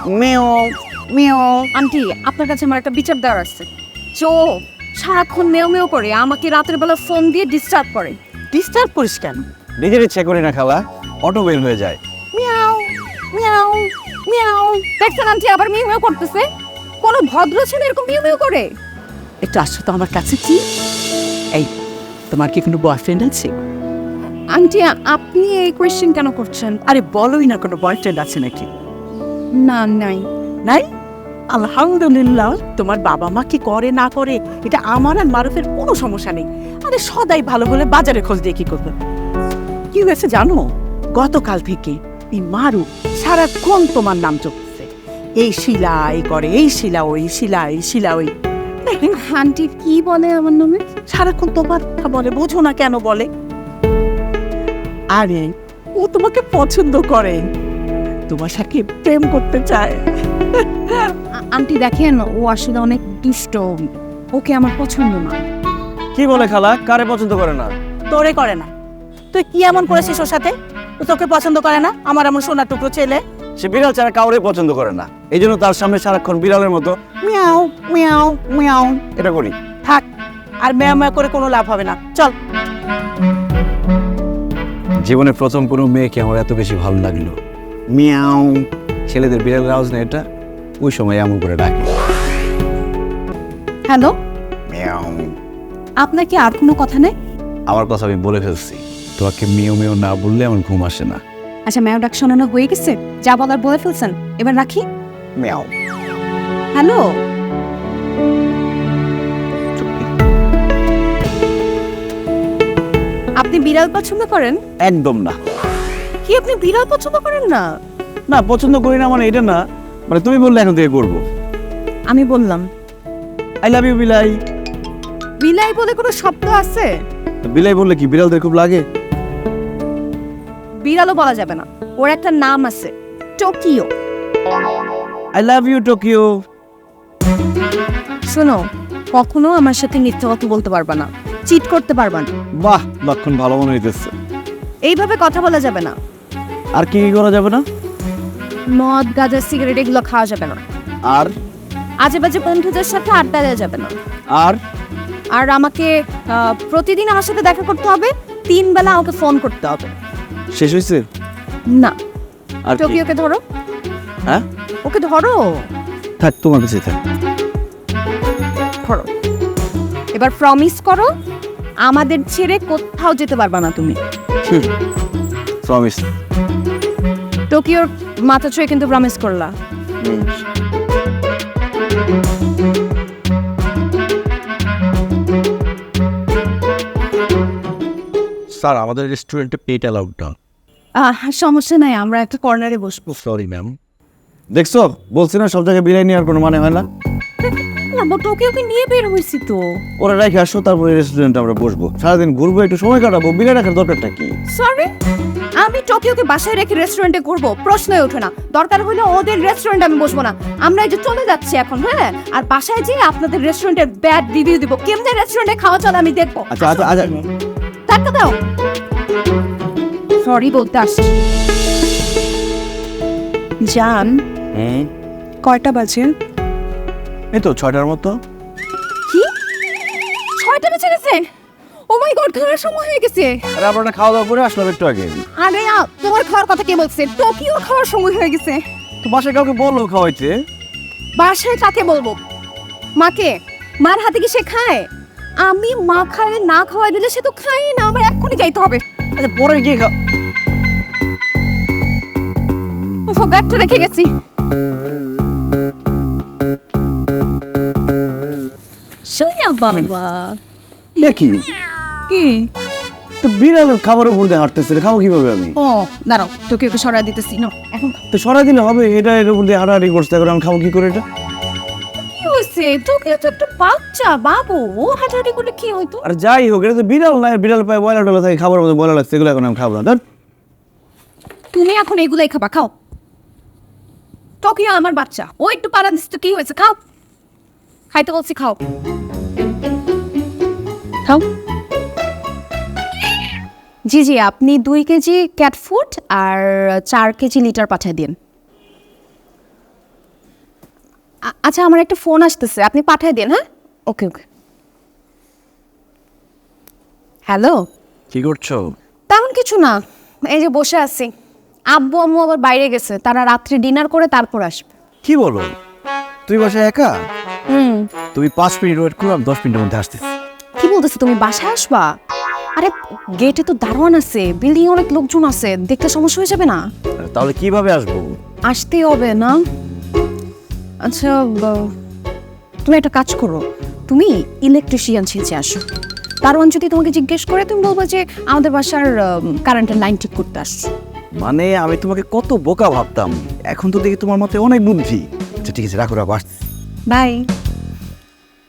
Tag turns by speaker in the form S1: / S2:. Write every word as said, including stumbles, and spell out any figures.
S1: মেও মেও।
S2: আন্টি আপনার কাছে আমার একটা বিচার দেওয়ার আছে। চো সারাক্ষণ মেও মেও করে আমাকে রাতের বেলা ফোন দিয়ে ডিস্টার্ব করে।
S1: ডিস্টার্ব করিস কেন?
S3: নিজের ইচ্ছে করি না খালা, অটো বের হয়ে যায়।
S2: Meow meow meow. দেখছেন আন্টি আবার মিউ মিউ করতেছে। কোনো ভদ্র ছেলে এরকম মিউ মিউ করে?
S1: একটু আসো তো আমার কাছে। কি এই, তোমার কি কোনো বয়ফ্রেন্ড আছে?
S2: আন্টি আপনি এই কোয়েশ্চেন কেন করছেন?
S1: আরে বলোই না, কোনো বয়ফ্রেন্ড আছে নাকি?
S2: না নাই।
S1: নাই? আলহামদুলিল্লাহ। তোমার বাবা মা কি করে না করে এটা আমার আর মারুফের কোনো সমস্যা নেই। আরে সদাই ভালো হলে বাজারে খোঁজ দিয়ে কি করবে? কি হয়েছে জানো? গতকাল থেকে এই মারু সারাক্ষণ তোমার নাম চলছে, এই শিলা এই করে, এই শিলা ওই শিলা এই শিলা ওই।
S2: আন্টি কি বলে আমার নামে?
S1: সারাক্ষণ তোমার কথা বলে, বোঝো না কেন বলে? আরে ও তোমাকে পছন্দ করে, তোমার সাথে প্রেম করতে চায়।
S2: আন্টি দেখেন ও আসলে অনেক দুষ্ট, ওকে আমার পছন্দ না।
S3: কি বলে খালা, কারে পছন্দ করে না?
S1: তোরে করে না? তুই কি এমন করেছিস ওর সাথে? ও তোকে পছন্দ করে না? আমার এমন সোনা টুকরো ছেলে।
S3: সে বিড়াল ছাড়া কাউরে পছন্দ করে না, এই জন্য তার সামনে সারাক্ষণ বিড়ালের মতো
S1: মিয়াও মিয়াও মিয়াও
S3: এটা করি।
S1: থাক, আর মেয়া মেয়া করে কোনো লাভ হবে না, চল।
S3: জীবনে প্রথম কোনো মেয়েকে আমার এত বেশি ভালো লাগলো। মিয়াও। ছেলেদের বিড়ালের আওয়াজ না এটা, ওই সময় এমন করে ডাকে।
S2: Hello,
S3: meow.
S2: আপনার কি আর কোনো কথা নেই?
S3: আমার কথা আমি বলে ফেলছি, তোমাকে মেয়েও মেয়েও না বললে আমার ঘুম আসে না।
S2: আচ্ছা ম্যাও ডাক শোনানো হয়ে গেছে, যা বলার বলে ফেলছেন, এবার রাখি।
S3: মিয়াও।
S2: হ্যালো, আপনি বিড়াল পছন্দ করেন?
S3: একদম না।
S2: কি আপনি বিড়াল পছন্দ করেন না?
S3: না পছন্দ করি না মানে এটা না, মানে তুমি বললে এখন থেকে করবো।
S2: আমি বললাম।
S3: আই লাভ ইউ বিলাই।
S2: বিলাই বলে কোনো শব্দ আছে?
S3: বিলাই বললে কি বিড়ালদের খুব লাগে?
S2: বিড়ালও বলা যাবে না, ওর একটা নাম আছে, Tokyo.
S3: I love you Tokyo.
S2: শোনো, কখনো আমার সাথে মিথ্যা কথা বলতে পারবা না, চিট করতে পারবা না।
S3: বাহ, লক্ষণ ভালো মনে হইতেছে।
S2: এইভাবে কথা বলা যাবে না।
S3: আর কি কি করা যাবে না?
S2: মদ গাঁজা সিগারেট এগুলো খাওয়া যাবে না।
S3: আর
S2: আজে বাজে বন্ধুদের সাথে আড্ডা দেওয়া যাবে না।
S3: আর
S2: আর আমাকে আহ, প্রতিদিন আমার সাথে দেখা করতে হবে, তিন বেলা আমাকে ফোন করতে হবে।
S3: শেষ হয়েছে?
S2: না।
S3: আর কি?
S2: টোকিওকে ধরো।
S3: হ্যাঁ,
S2: ওকে ধরো।
S3: থাক তোমার কাছে থাক।
S2: ধরো। এবার প্রমিস করো, আমাদের ছেড়ে কোথাও যেতে পারবা না তুমি।
S3: প্রমিস।
S2: টোকিওর মাথা ছুঁয়ে কিন্তু প্রমিস করলা।
S3: স্যার আমাদের রেস্টুরেন্টে পেট অ্যালাউড না।
S2: আহ সমস্যা নাই, আমরা একটা কর্নারে বসবো।
S3: Sorry ma'am. দেখছো, বলছি না সব জায়গায় বিরিয়ানি আর কোনো মানে হয় না।
S2: আমরা টোকিওকে নিয়ে বের হয়েছি তো।
S3: ওরা রেখে আসো, তারপরে রেস্টুরেন্টে আমরা বসবো, সারাদিন ঘুরবো, একটু সময় কাটাবো, বিরিয়ানি রাখার দরকারটা কি?
S2: সরি, আমি টোকিওকে বাসায় রেখে রেস্টুরেন্টে ঘুরবো প্রশ্নই ওঠে না। দরকার হলে ওদের রেস্টুরেন্টে আমি বসবো না। আমরা এই যে চলে যাচ্ছি এখন, হ্যাঁ, আর বাসায় যেয়ে আপনাদের রেস্টুরেন্টের ব্যাড রিভিউ দিব, কেমনে রেস্টুরেন্টে খাওয়া চলে আমি দেখবো।
S3: আচ্ছা আচ্ছা আচ্ছা।
S2: টাকা দাও। সরি বলতে আসছি। জান,
S3: হুম,
S2: কয়টা বাজে?
S3: এই তো ছয়টার মতো।
S2: কি ছয়টা বেজে গেছে? ও মাই গড, খাওয়ার সময় হয়ে গেছে।
S3: আরে আমরা খাওয়া দাওয়া করে আসলাম একটু আগে।
S2: আরে আ, তোমার খাওয়ার কথা কে বলছে? টোকিও খাওয়ার সময় হয়ে গেছে।
S3: তো বাসায় কাউকে বললো খাওয়াইতে।
S2: বাসায় কাকে বলবো? মাকে। মার হাতে কি সে খায়? আমি মা খায় না খাওয়াই দিলে সে তো খায় না, আমার এক্ষুনি যাইতে হবে।
S3: আচ্ছা পরে গিয়ে খাও।
S2: ও ব্যাগটা রেখে গেছি। সোয়া বাবা।
S3: এ কি?
S2: কি?
S3: তো বিড়ালের খাবারের উপর দিয়ে হাঁটতেছে, খাবো কিভাবে আমি?
S2: ও দাঁড়াও, তোকে ওকে সরাই দিতেছি না এখন।
S3: তো সরাই দিলে হবে? এটা এর উপর দিয়ে হাঁটাহাঁটি করছে, এখন আমি খাবো কি করে এটা?
S2: কি হয়েছে? তোকে তো একটা বাচ্চা বাবু, ও হাঁটাহাঁটি করলে কি হইতো?
S3: আর যাই হোক, এটা তো বিড়াল না, বিড়াল পায় বয়লা টলা থাকে, খাবার মধ্যে বয়লা লাগছে, এগুলো এখন আমি খাবো না। ধর,
S2: তুমি এখন এগুলাই খাবা, খাও। টোকিও আমার বাচ্চা, ও একটু পাড়া দিচ্ছে তো কি হয়েছে, খাও। খাইতে বলছি, খাও খাও। জি জি, আপনি দুই কেজি ক্যাট ফুড আর চার কেজি লিটার পাঠিয়ে দিন। আ- আচ্ছা আমার একটা ফোন আসতেছে, আপনি পাঠিয়ে দিন। হ্যাঁ, ওকে ওকে। হ্যালো।
S3: কি করছো?
S2: তেমন কিছু না, এই যে বসে আছি। আব্বু আম্মু আবার বাইরে গেছে, তারা রাত্রে ডিনার করে তারপর আসবে।
S3: কি বলো, তুই বাসায় একা?
S2: হুম।
S3: তুমি পাঁচ মিনিট ওয়েট করো, আমি দশ মিনিটের মধ্যে আসতেছি।
S2: কি বলতেছো, তুমি বাসায় আসবা? আরে গেটে তো দারোয়ান আছে, বিল্ডিং অনেক লোকজন আছে, দেখতে সমস্যা হয়ে যাবে না?
S3: তাহলে কিভাবে আসবো?
S2: আসতেই হবে না? আচ্ছা ব- তুমি একটা কাজ করো, তুমি ইলেকট্রিশিয়ান ছেঁচে আসো। দারোয়ান যদি তোমাকে জিজ্ঞেস করে, তুমি বলবো যে আমাদের বাসার কারেন্টের লাইন ঠিক করতে আসছো।
S3: মানে আমি তোমাকে কত বোকা ভাবতাম, এখন তো দেখি তোমার মতে অনেক বুদ্ধি। আচ্ছা ঠিক আছে, রাখো রাখো, আসছি।
S2: বাই।